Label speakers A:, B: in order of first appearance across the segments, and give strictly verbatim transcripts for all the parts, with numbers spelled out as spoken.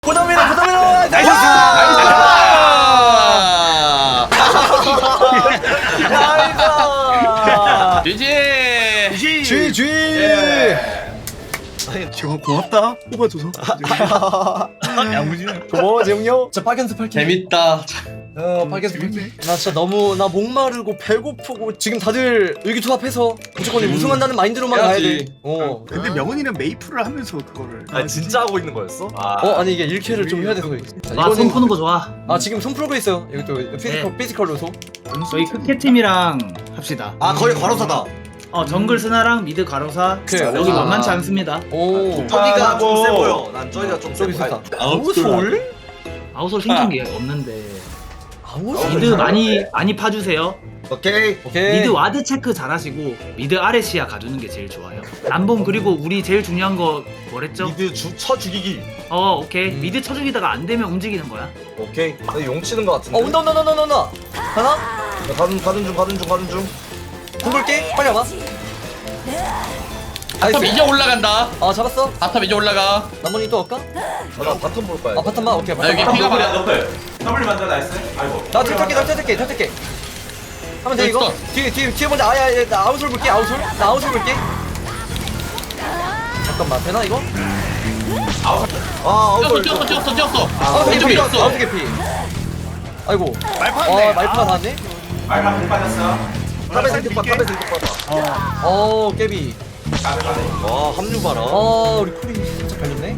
A: 고담이다 고담이다 나이스 나이스
B: 지지
A: 쥐 쥐.
B: 지금 고맙다 뽑아줘서 야무지네.
A: 고마워 재웅요. 자 파견스 팔견.
C: 재밌다.
A: 어 파견스 팔견. 나 진짜 너무 나 목마르고 배고프고 지금 다들 의기투합해서 무조건
C: 음.
A: 우승한다는 마인드로만 가야 돼.
C: 해야지.
A: 어.
B: 근데 명훈이는 메이플을 하면서 그거를
D: 아 진짜 하고 있는 거였어?
A: 어 아니 이게 일 킬을 좀 해야 돼서. 자,
E: 아, 손 푸는 거 좋아.
A: 아 지금 손 풀고 있어요. 여기 또 피지컬
E: 네.
A: 피지컬 요소.
E: 저희 크캐팀이랑 합시다.
D: 아 거의 과로사다.
E: 어, 정글 스나랑 미드 가로사.
A: 그래,
E: 여기
A: 아.
E: 만만치 않습니다.
A: 오.
D: 저기가 좀 세
B: 아,
D: 보여. 난 저기가 좀 세
A: 저기
D: 보여.
A: 좋다.
C: 아웃솔?
E: 아웃솔 신경이 없는데.
A: 아우
E: 미드 많이 많이 파주세요.
D: 오케이.
A: 오케이.
E: 미드 와드 체크 잘하시고 미드 아래 시야 가주는 게 제일 좋아요. 남봉 그리고 우리 제일 중요한 거 뭐랬죠?
D: 미드 주, 쳐 죽이기.
E: 어 오케이
A: 음.
E: 미드 쳐주기다가 안 되면 움직이는 거야.
D: 오케이. 나 용 치는 거 같은데.
A: 어 온다 온다 온다 온다 온다. 하나.
D: 나 가는 가는 중 가는 중 가는 중.
A: 공볼게. 빨리 와봐.
C: 바텀 이제 올라간다.
A: 아 잡았어.
C: 바텀 이제 올라가.
A: 나머지 또 할까?
D: 아, 나 바텀 볼 거야.
A: 아 바텀만 오케이.
C: 나 여기
A: 바텀.
C: 피가 많아.
F: 더블 만져 나이스. 아이고.
A: 나 탈탈게 나 탈탈게 탈탈게. 하면 돼 이거.
C: 됐어.
A: 뒤에 뒤에 뒤에 먼저 아야 나 아웃솔 볼게 아웃솔. 나 아웃솔 볼게. 잠깐만 되나 이거?
D: 아
C: 뛰었어
D: 아웃솔.
C: 뛰었어 뛰었어 뛰었어.
A: 아웃
C: 왼쪽
A: 개피
C: 뛰었어.
A: 아웃 개피. 아이고.
B: 말파네.
A: 아 말파 나왔네.
F: 말파 공 빠졌어.
D: 탑에 생각 봐. 탑에 생각 봐.
A: 어 깨비.
F: 가be 가be.
D: 와 합류 봐라.
A: 어 우리 쿨이 진짜 걸렸네.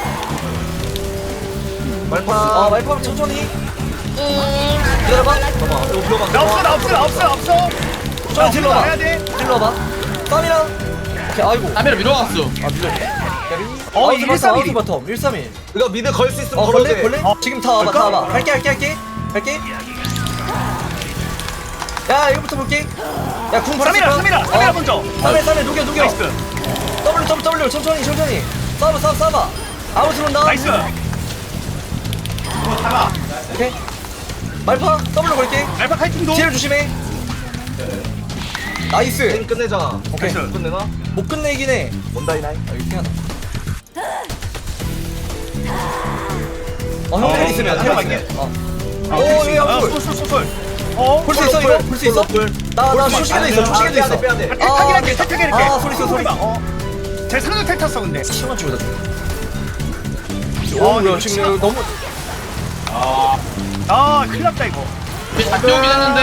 D: 말파.
A: 아 말파 천천히. 기다려봐.
D: 잠깐만. 이거 비워봐.
B: 나 없어 나 없어 나 없어 나 없어.
A: 저 딜러 봐.
B: 해야 돼.
A: 딜러 봐. 땀이랑. 오케이 아이고.
C: 카메라 밀어왔어.
A: 아 밀렸네.
B: 어,
A: 어
B: 일삼일이.
A: 일삼일 바텀 일삼일.
D: 이거 미드 걸 수 있으면
A: 어
D: 걸어도
A: 걸래
D: 돼.
A: 걸래?
B: 어.
A: 지금 다 와봐 다
B: 걸까?
A: 와봐. 갈게 갈게 갈게 갈게. 야 이거부터 볼게. 야궁 바로
B: 삼이라 삼이라 삼이라 먼저.
A: 삼일 삼일 녹여 녹여.
B: 나이스.
A: W W W 천천히 천천히. 싸봐 싸봐 싸봐. 아웃 들어온다.
B: 나이스.
A: 오케이. 말파 W 걸게.
B: 알파 카이팅도.
A: 뒤를 조심해. 나이스.
D: 게임 끝내자.
A: 오케이.
B: 나이스.
D: 끝내나?
A: 못 끝내긴 해.
D: 원다이 나이.
A: 아 이거 하나. 어, 형 텔 있으면 텔 있으면. 어.
B: 아,
A: 오,
B: 그렇지.
A: 야,
B: 아,
A: 볼.
B: 쏠, 쏠, 쏠, 쏠. 어?
A: 볼 수 있어 이거? 볼 수 있어? 나나 쇼시계도 있어. 쇼시계도 있어.
D: 빼야 돼.
B: 아, 탈타기 할게, 탈타기 할게.
A: 아, 소리 있어, 소리 있어.
B: 어. 제 상대 탈 탔어, 근데.
A: 시간 주고 다
B: 어,
A: 오,
B: 이거
A: 야, 지금 이거 너무
B: 아, 큰일 났다, 이거.
C: 잡혀오긴 했는데.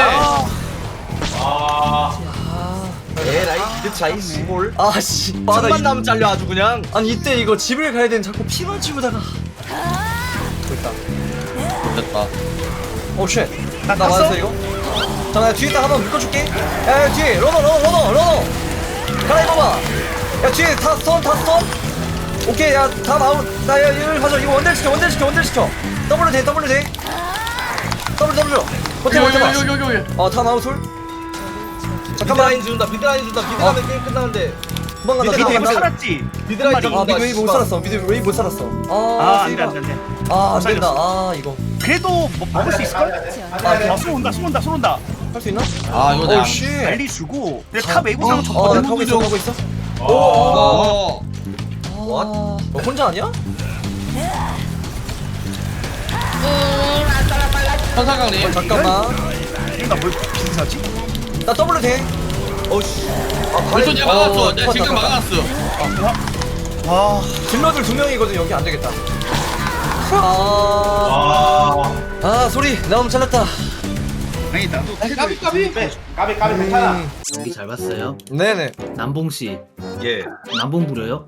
B: 아,
D: 에라이 미드 차이 시골.
A: 아, 씨. 아, 나
D: 천만
A: 이,
D: 나면 잘려 아주 그냥.
A: 아니 이때 이거 집을 가야 되는 자꾸 피만 치우다가. 됐다.
C: 됐다.
A: 오, 쉣.
B: 나
A: 나
B: 탔어?
A: 맞았어 이거? 자, 나 뒤에 딱 한번 묶어줄게. 야, 야, 뒤에 러너, 러너, 러너, 러너. 갈아입어봐. 야, 뒤에 다 스턴, 다 스턴. 오케이, 야, 다 아웃. 나, 야, 이걸 가져. 이거 원딜 시켜, 원딜 시켜, 원딜 시켜. 더블로 돼, 더블로 돼. 더블, 더블로. 버텨, 버텨봐.
C: 여기 여기 여기.
A: 어, 다 아웃솔.
D: 미드
A: 잠깐만.
D: 라인 준다. 미드 라인 준다. 미드
A: 어.
D: 가면 게임 끝나는데.
A: 도망간다,
D: 밑에
B: 밑에 이거
A: 도망간다.
B: 살았지?
D: 미드 라인
A: 아,
D: 준다.
A: 미드 웨이 못 살았어. 미드 웨이 못 살았어.
B: 아,
A: 아,
B: 안 돼, 안 돼, 안 돼.
A: 아, 안 된다. 아, 이거.
B: 그래도 뭐, 먹을 수 있을걸? 아, 술 온다, 술 온다, 술 온다.
A: 할 수 있나?
C: 아 이거
A: 오,
C: 내가.
A: 씨.
B: 난리 주고. 근데 탑 웨이브상
A: 어, 나
B: 쳤거든?
A: 타고 있어, 타고 있어.
C: 어.
D: What?
A: 너 혼자 아니야?
C: 천사강님.
A: 잠깐만.
B: 나뭘 빈사지?
A: 나 더블로 돼.
D: 어씨. 아
C: 벌써
D: 가리.
C: 내가 막았어.
A: 어,
C: 내가 지금
A: 컸다,
C: 막아놨어.
B: 와,
A: 딜러들 두 명이거든. 여기 안 되겠다. 아,
F: 아.
A: 아 소리 너무 잘났다.
B: 아니, 나도
C: 까비 까비.
F: 빼. 까비 까비 괜찮아.
A: 음,
E: 연기 잘 봤어요.
A: 네네.
E: 남봉 씨,
D: 예.
E: 남봉 부려요?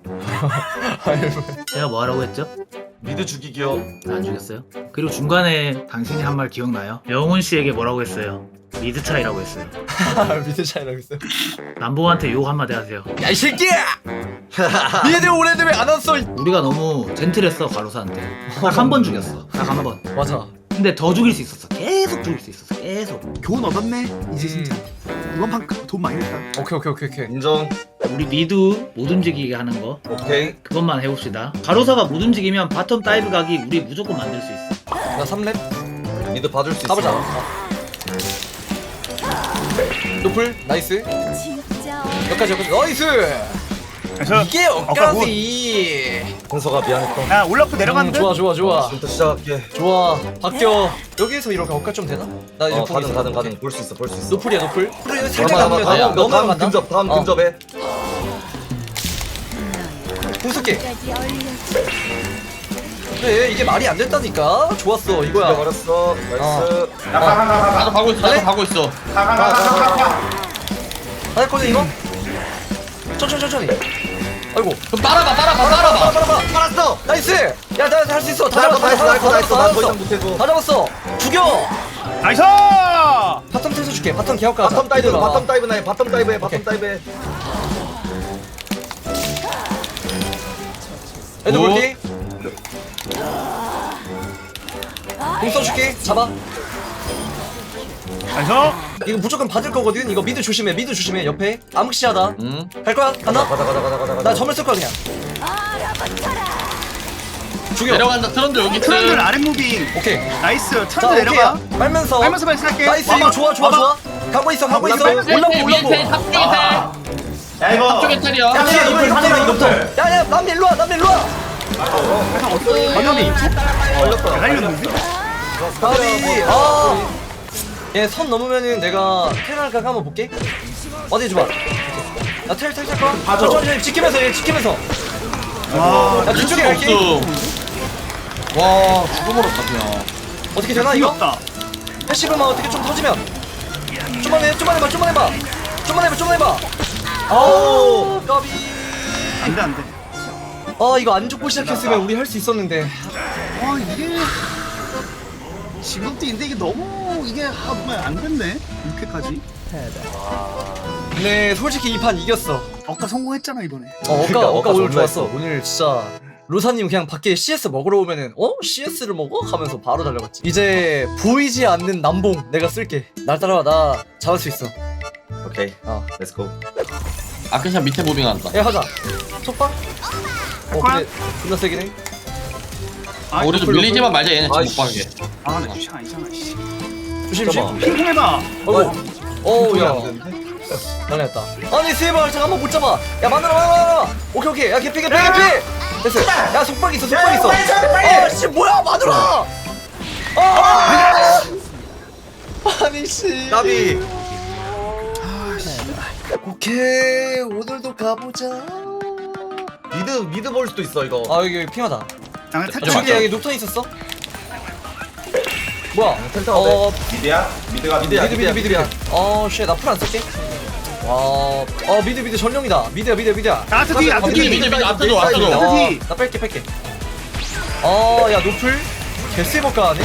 E: 제가 뭐 하라고 했죠?
D: 미드 죽이기요.
E: 안 죽였어요? 그리고 중간에 당신이 한 말 기억나요? 영훈 씨에게 뭐라고 했어요? 미드 차이라고 했어요.
A: 미드 차이라고 있어.
E: 남봉한테 욕 한마디 하세요.
A: 야 이 새끼야! 니네들 오래돼 왜안 왔어?
E: 우리가 너무 젠틀했어 가로사한테. 딱 한 번 죽였어. 딱 한 번.
A: 맞아.
E: 근데 더 죽일 수 있었어. 계속 죽일 수 있었어. 계속.
B: 교훈 얻었네, 이제
A: 음.
B: 진짜. 이번 판 돈 많이 냈다.
A: 오케이 오케이 오케이 오케이.
D: 인정.
E: 우리 미드 못 움직이게 하는 거
D: 오케이.
E: 그것만 해봅시다. 가로사가 못 움직이면 바텀 다이브 각이 우리 무조건 만들 수 있어.
A: 나 삼 렙.
D: 미드 봐줄 수 있어.
A: 가보자. 어. 노플 나이스. 여기까지 여기까지 나이스.
B: 저,
A: 이게 억까지.
D: 현서가 미안했다.
B: 야 올라프
A: 음,
B: 내려갔는데?
A: 좋아 좋아 좋아
D: 지금부터 시작할게.
A: 좋아. 바뀌어. 여기서 이렇게 억까 좀 되나? 나 이제
D: 어,
A: 보고
D: 가능
A: 있어.
D: 가능 가능. 볼 수 있어 볼 수 있어.
A: 노플이야 노플. 그래 살짝
D: 잠깐만,
A: 남으면
D: 다음,
A: 너무 너무
D: 다음
A: 간다.
D: 근접 다음
A: 어.
D: 근접에.
A: 궁습기. 그래 이게 말이 안 됐다니까. 좋았어 이거야.
D: 버렸어. 나이스.
F: 가가가가가
C: 나도 가고 있어 나도 가고 있어
F: 가가가가가
A: 다 했거든 이거? 천천히 천천히. 아이고.
C: 그럼 빨아봐 빨아봐 빨아봐
A: 빨아봐.
D: 알았어.
A: 나이스. 야나 할 수 있어. 다
D: 나이스,
A: 잡았어.
D: 나이스,
A: 다
D: 나이스,
A: 잡았어.
D: 나이스.
A: 다
D: 난더
A: 잡았어.
D: 이상 못해도.
A: 다 잡았어. 죽여.
B: 나이스!
A: 바텀 테서 줄게. 바텀 개혁가.
D: 바텀 다이브 바텀 다이브 나해 바텀 다이브해 바텀 다이브해.
A: 애들
C: 오.
A: 볼게. 공 써줄게. 잡아.
B: 나이스!
A: 이거 무조건 받을 거거든. 이거 미드 조심해. 미드 조심해. 옆에 암흑시하다.
C: 응
A: 갈 거야? 간다.
D: 가자 가자 가자 가자 가자.
A: 나 점을 쓸 거야 그냥. 죽여.
C: 내려간다 트런드 여기 있어
B: 트런들 아랫 무빙.
A: 오케이.
B: 나이스.
A: 자
B: 트런들 내려가.
A: 오케이. 빨면서.
B: 빨면서 발사할게.
A: 나이스.
B: 와봐,
A: 이거 좋아 좋아
B: 와봐.
A: 좋아. 가고 있어 가고 있어.
D: 올라프,
A: 올라프
C: 위에
A: 올라프.
C: 텔 탑쪽에 텔
F: 야 이거
C: 탑쪽에 텔이야
F: 야,
A: 야 이거
F: 이거
A: 이거 이거부터.
F: 이거부터.
A: 야야 남미 일로 와. 남미 일로 와.
B: 방염이
D: 걸렸다.
B: 날렸는데?
A: 가비. 아. 얘선 넘으면은 내가 테랄각 한번 볼게. 어디 줘봐. 나텔텔 탈 거야.
F: 봐줘.
A: 천천히 지키면서 얘 지키면서.
B: 와,
A: 야
C: 밀
A: 뒤쪽에
C: 수가
A: 갈게.
C: 없어 와 죽어버렸다 그냥
A: 어떻게 되나 이거?
B: 이겼다.
A: 패시브만 어떻게 좀 터지면. 좀만 해, 좀만 해봐, 좀만 해봐, 좀만 해봐, 좀만 해봐. 아우, 까비.
B: 안 돼, 안 돼.
A: 아 이거 안 죽고 시작했으면 우리 할 수 있었는데.
B: 와, 이게. 지금부터인데 이게 너무 이게 하면 안 됐네. 이렇게까지.
A: 네, 솔직히 이 판 이겼어.
B: 아까 성공했잖아, 이번에.
A: 어, 어까
D: 그러니까,
A: 어까
D: 어까
A: 오늘
D: 존나
A: 좋았어.
D: 했어.
A: 오늘 진짜 로사님 그냥 밖에 씨에스 먹으러 오면은 어 씨에스를 먹어? 하면서 바로 달려갔지. 이제 보이지 않는 남봉 내가 쓸게. 날 따라와 나 잡을 수 있어.
D: 오케이.
A: 어,
D: 렛츠고.
C: 아크샷 밑에 무빙한다
A: 야 하자. 속박. 어
B: 거야?
A: 근데 존나 세긴 해.
B: 아,
C: 우리도
A: 노플,
C: 밀리지만 말자 얘네 지금 못
D: 아이씨.
C: 가게
B: 아, 나 귀찮아, 아니잖아, 씨.
A: 조심 조심.
D: 잠깐만.
B: 핑퐁해봐.
A: 어이구. 어우
D: 야.
A: 야. 난리 났다. 아니 세발 잠깐만 못 잡아. 야 만들어 만들어. 오케이 오케이. 야 개피 개피 개피. 됐어. 야 속박 있어 속박 있어. 아씨 뭐야 마누라. 아. 아니 씨.
D: 나비.
A: 오케이 오늘도 가보자.
D: 미드 미드 볼 수도 있어 이거.
A: 아 여기 핑하다.
B: 나는
A: 아,
B: 탈출.
A: 저기 여기 녹턴 있었어? 뭐야?
D: 텔타
A: 어
F: 미드야? 미드가
D: 미드야.
A: 미드 미드 미드 미드. 어쉣 나 풀 안 쓸게. 와, 어 미드 미드 전령이다. 미드야 미드 미드야.
B: 아, 아트 뒤, 아트
C: 미드
B: 뒤.
C: 미드 미드 앞에도 앞에도
B: 아트
A: 어,
B: 뒤.
A: 나 뺄게 뺄게. 어야 노플 개쎄먹가 하네.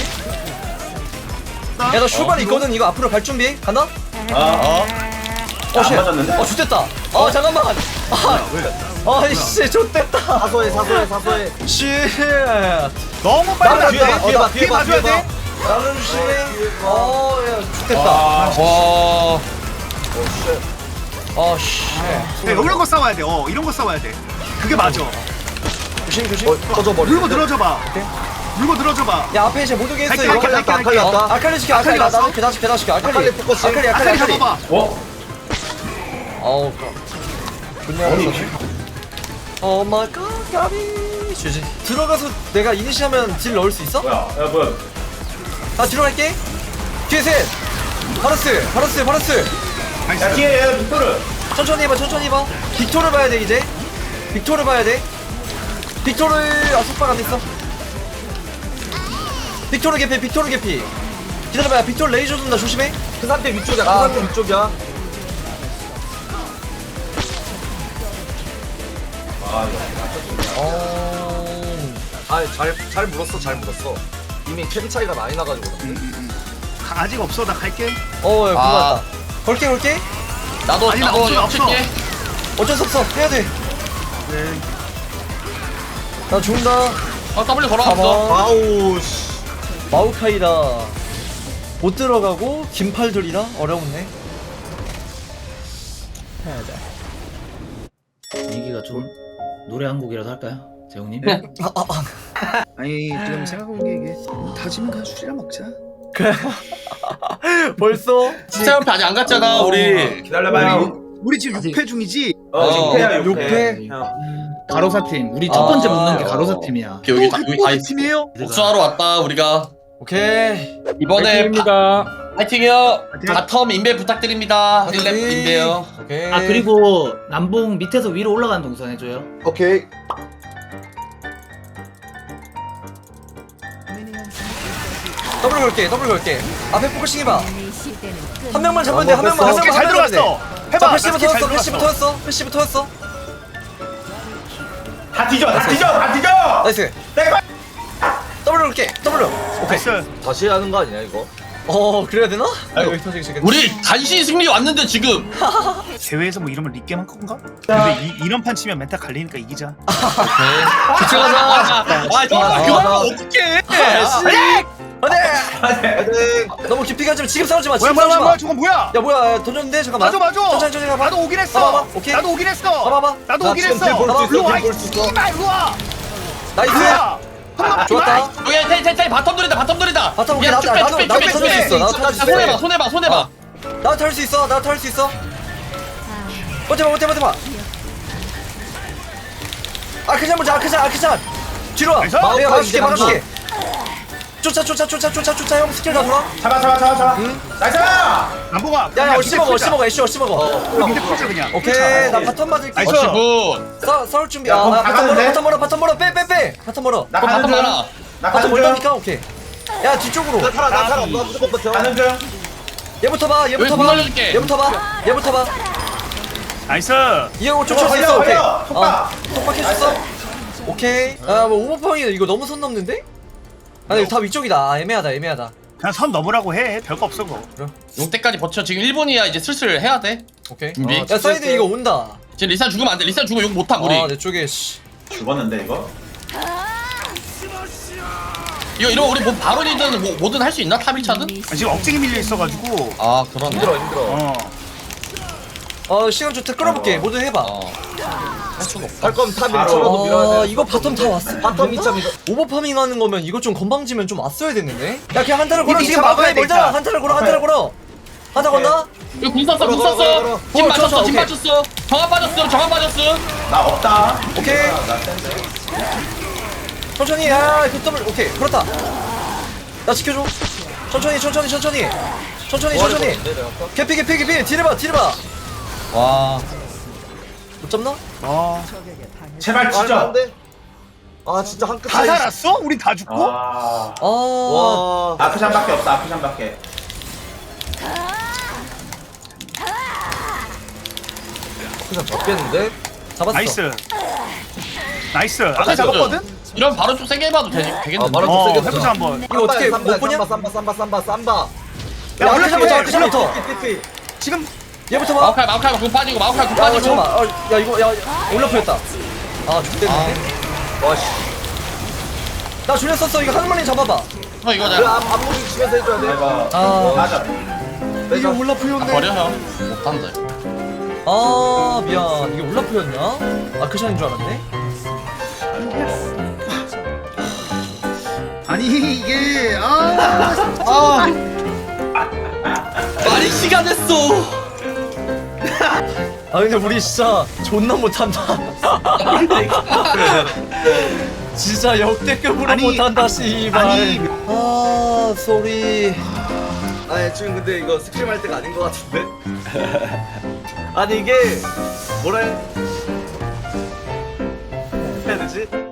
A: 야나 슈발 있거든. 이거 앞으로 갈 준비. 간다?
F: 어?
A: 어 쉣.
F: 맞았는데?
A: 어 좋댔다. 어 잠깐만. 아, 아이씨 좋댔다.
D: 사소해 사소해 사소해.
A: 쉣.
B: 너무 빨리
A: 나는
B: 안
A: 뒤에
B: 돼.
A: 봐, 뒤에 봐, 뒤에 봐,
B: 봐줘야
A: 뒤에 봐.
B: 돼.
A: 나는 조심해. 어야 좋댔다.
C: 와
A: 어 쉣.
B: 네, 이런 거 싸워야 돼. 어, 이런 거 싸워야 돼. 그게 맞아.
A: 조심 조심.
D: 어 터져버려.
B: 물고 늘어져봐. 물고 늘어져봐.
A: 야 앞에 이제 못 오게 했어
B: 갈게,
A: 이거.
B: 갈게, 갈게,
D: 아칼리
B: 갈게.
D: 왔다.
A: 아칼리 시켜 아칼리
B: 아칼리
A: 나
B: 왔어?
A: 나도 계단 시켜 계단 시켜 아칼리
D: 아칼리 포커싱.
A: 아칼리 아칼리
B: 아칼리
A: 아칼리.
B: 잡아봐.
F: 어?
A: 어우 좋네
F: 아니
A: 오 마이 갓 가비 주지. 들어가서 내가 이니시하면 딜 넣을 수 있어?
F: 뭐야 야 뭐야
A: 나 들어갈게. 뒤에 셋. 바로스 바로스 바로스.
F: 야 뒤에 얘 빅토르
A: 천천히 해봐 천천히 해봐. 빅토르 봐야 돼 이제. 빅토르 봐야 돼. 빅토르 아 속박 안 됐어. 빅토르 개피 빅토르 개피. 기다려봐. 빅토르 레이저 준다 조심해.
D: 그 상태 위쪽이야. 그
A: 아,
D: 상태
A: 그래.
D: 위쪽이야.
F: 아 이거
A: 어.
D: 아잘잘 물었어 잘 물었어. 이미 캠 차이가 많이 나가지고.
B: 아직 없어. 나 갈게.
A: 어, 야, 그거
C: 아.
A: 같다. 걸게, 걸게.
C: 나도
B: 아니, 나
C: 나도
B: 없어, 없어.
C: 칠게
A: 어쩔 수 없어. 해야 돼.
B: 네.
A: 나 죽는다.
C: 어 W 걸어놨어
A: 가봐.
D: 아우 씨.
A: 마우카이다. 못 들어가고 긴팔들이라 어려웠네.
E: 분위기가 좀 노래 한 곡이라도 할까요, 재웅님?
A: 아, 아, 아.
B: 아니, 지금 생각해보기에 이게 다짐은 그냥 술이나 먹자.
A: 벌써?
C: 스타 옆에 아직 안 갔잖아 우리
F: 기다려봐요
B: 우리 지금 육 패 중이지.
F: 어
C: 어,
F: 육패야
A: 육 패.
E: 가로사 팀. 우리 첫 번째 붙는 게 가로사 팀이야.
C: 여기 다 여기 다 있어.
B: 팀이에요?
C: 복수하러 왔다 우리가.
A: 오케이.
C: 이번에 파, 파이팅이요. 바텀 인베 부탁드립니다. 힐랩
A: 파이팅.
C: 인베요.
A: 오케이.
E: 아 그리고 남봉 밑에서 위로 올라가는 동선 해줘요.
D: 오케이.
A: 더블 걸게 더블 걸게. 앞에 포커싱 해봐. 한 명만 잡으면 돼한 명만 한
B: 스킬
A: 명만
B: 잘
A: 하면 돼.
B: 들어갔어.
A: 자
B: 해봐.
A: 패시브
B: 스킬 잘
A: 터졌어 패시브
B: 들어갔어.
A: 터졌어 패시브 터졌어.
F: 다 뒤져 다 뒤져 다 뒤져.
A: 나이스.
F: 내가
A: 더블 걸게 더블로. 오케이.
B: 나이스.
D: 다시 하는 거 아니야 이거?
A: 어 그래야 되나? 여기 터지기 시작했네.
C: 우리 간신히 승리 왔는데 지금.
B: 대회에서 뭐 이러면 리게임 한 건가? 근데 이, 이런 판 치면 멘탈 갈리니까 이기자.
A: 집중하자.
C: 아 정말
A: 아,
C: 그만
A: 아,
C: 어떡해.
A: 안돼. 너무 깊이 가지 마. 지금 싸우지 마.
B: 뭐야
A: 지금
B: 뭐야
A: 싸우지
B: 뭐야
A: 마.
B: 저건 뭐야?
A: 야 뭐야 던졌는데 잠깐만.
B: 맞아 맞아.
A: 천천히 천천히 가봐.
B: 나도 오긴 했어.
A: 봐봐, 오케이.
B: 나도 오긴 했어.
A: 봐봐봐.
B: 나도
A: 나
B: 오긴
A: 지금
B: 했어.
A: 볼 수 있어,
B: 일로 와.
D: 볼수 있어.
B: 이발 일로 와.
A: 나이스.
B: 뭐야? 아,
A: 좋았다.
C: 오케이 테이 테이 테이 바텀 돌이다 바텀 돌이다.
A: 바텀 오케이.
C: 야,
A: 나도
C: 쭉 빼,
A: 나도
C: 쭉 빼,
A: 나도
C: 쭉 빼,
A: 터질 수
C: 쭉
A: 있어.
C: 빼.
A: 나도 터질 수
C: 야, 손해봐
A: 있어.
C: 손해봐 손해봐.
A: 나도 탈 수 있어. 나도 탈 수 있어. 버텨봐 버텨봐 버텨봐. 아크샷 보자 아크샷 아크샷. 뒤로 와.
B: 나이스.
A: 내가 막아줄게
D: 이제
A: 막아줄게. 쫓아 쫓아 쫓아 쫓아 쫓아 형 스킬 다 돌아.
F: 잡아 잡아 잡아 잡아.
A: 응?
F: 나이스.
B: 남봉아.
A: 야야 어시 먹어 어시 먹어 애쉬 어시 먹어.
B: 밑에 풀자 그냥.
A: 오케이 나 바텀 맞을게.
B: 나이스.
C: 어시 굿.
A: 싸 싸울 준비.
F: 야,
A: 아
F: 그럼
A: 아,
F: 다
A: 바텀 멀어
F: 가는데?
A: 바텀 멀어 바텀 멀어 빼 빼 빼. 바텀 멀어.
F: 나
C: 그럼
F: 가는
C: 바텀
F: 중.
C: 가라.
F: 나
A: 바텀
F: 가는 중.
A: 멀다니까 오케이. 야 뒤쪽으로.
D: 나 살아 나 살아. 나 무조건 버텨.
F: 가는 중.
A: 얘부터 봐
C: 여기
A: 얘부터
C: 문
A: 봐.
C: 날려줄게.
A: 얘부터 봐 얘부터 봐.
B: 나이스.
A: 이형 쫓을 수
F: 걸려,
A: 있어 오케이.
F: 걸려. 속박.
A: 속박 해줬어. 오케이. 아뭐 오버팡이 이거 너무 선 넘는데? 아니 이거 다 위쪽이다. 아, 애매하다 애매하다.
B: 그냥 선 넘으라고 해. 별거 없어 그거.
C: 용 때까지 버텨. 지금 일 분이야. 이제 슬슬 해야 돼.
A: 오케이.
C: 준비.
A: 야 사이드 이거 온다.
C: 지금 리산 죽으면 안 돼. 리산 죽으면 용 못함 우리.
A: 아내 쪽에 씨.
F: 죽었는데 이거.
C: 이거 이러면 우리 뭐 바론이든 뭐, 뭐든 할 수 있나? 탑 일 차든?
B: 아, 지금 억제기 밀려 있어가지고.
C: 아 그렇네.
D: 힘들어 힘들어.
B: 어.
A: 어 시간 좋다 끌어볼게. 뭐든 해봐.
C: 어. 할 수가 없다.
D: 할 거면 탑
F: 아,
D: 밀어도 밀어야
A: 아
D: 돼.
A: 이거 바텀 다 왔어.
D: 바텀 이차 밀어.
A: 오버파밍 하는 거면 이거 좀 건방지면 좀 왔어야 됐는데. 야 그냥 한타를 걸어
B: 이미
A: 지금
B: 잡아야
A: 마크에
B: 돼,
A: 걸자.
B: 일단.
A: 한타를 걸어 한타를 걸어. 한타 건다.
C: 이거 궁 썼어 궁
D: 걸어, 걸어,
C: 썼어.
D: 걸어.
C: 진
A: 어,
C: 맞췄어
A: 쳤어,
C: 진
A: 오케이.
C: 맞췄어. 정한 빠졌어 정한 빠졌어.
F: 나 없다.
A: 오케이.
F: 나 센데.
A: 천천히 야그 더블 오케이 그렇다. 나 지켜줘. 천천히 천천히 천천히 천천히 천천히. 개피 개피 개피 딜을 봐 딜을 봐.
C: 와.
A: 못 잡나?
B: 어.
F: 제발
D: 아,
F: 진짜.
D: 안 돼. 아 진짜 한 끗.
B: 다 살았어? 우리 다 죽고?
F: 아.
A: 아.
D: 와.
F: 아크샨밖에 없다. 아크샨밖에.
D: 그냥 잡겠는데?
A: 잡았어.
B: 나이스. 나이스. 아까
C: 나이스.
B: 잡았거든?
C: 이런 바로 좀 세게 해봐도 되,
D: 아
C: 되겠는데.
D: 바로
B: 어,
D: 좀 세게
B: 해보자 한번.
A: 이거 어떻게 못 보냐?
D: 삼바 삼바 삼바 삼바
A: 야
B: 원래
A: 아크샷부터
B: 그래,
A: 아크샷부터.
B: 지금
A: 얘부터 봐.
C: 마우카이 마우카이 궁 빠지고 마우카이 궁
A: 야 이거
C: 빠지고.
A: 잠깐만. 어, 야 이거 야 올라프였다. 아 죽겠는데?
D: 와씨.
A: 나 줄여 썼어. 이거 한 마리 잡아봐.
C: 어
D: 그래
C: 이거잖아.
D: 앞 앞무기 치면서 해줘야 돼.
F: 이거.
A: 아.
F: 맞아.
A: 이게
D: 내가
C: 아,
A: 올라프였네.
C: 버려 형. 못한다.
A: 아 미안. 이게 올라프였냐? 아크샷인 줄 알았네.
B: 아니 이게 아
C: 아. 말이 시간 했어.
A: 아 근데 우리 진짜 존나 못한다. 진짜 역대급으로
B: 아니,
A: 못한다 씨발.
B: 아니.
A: 아 쏘리.
D: 아니 지금 근데 이거 스크림 할 때가 아닌 것 같은데? 아니 이게 뭐라 해- 해야 되지?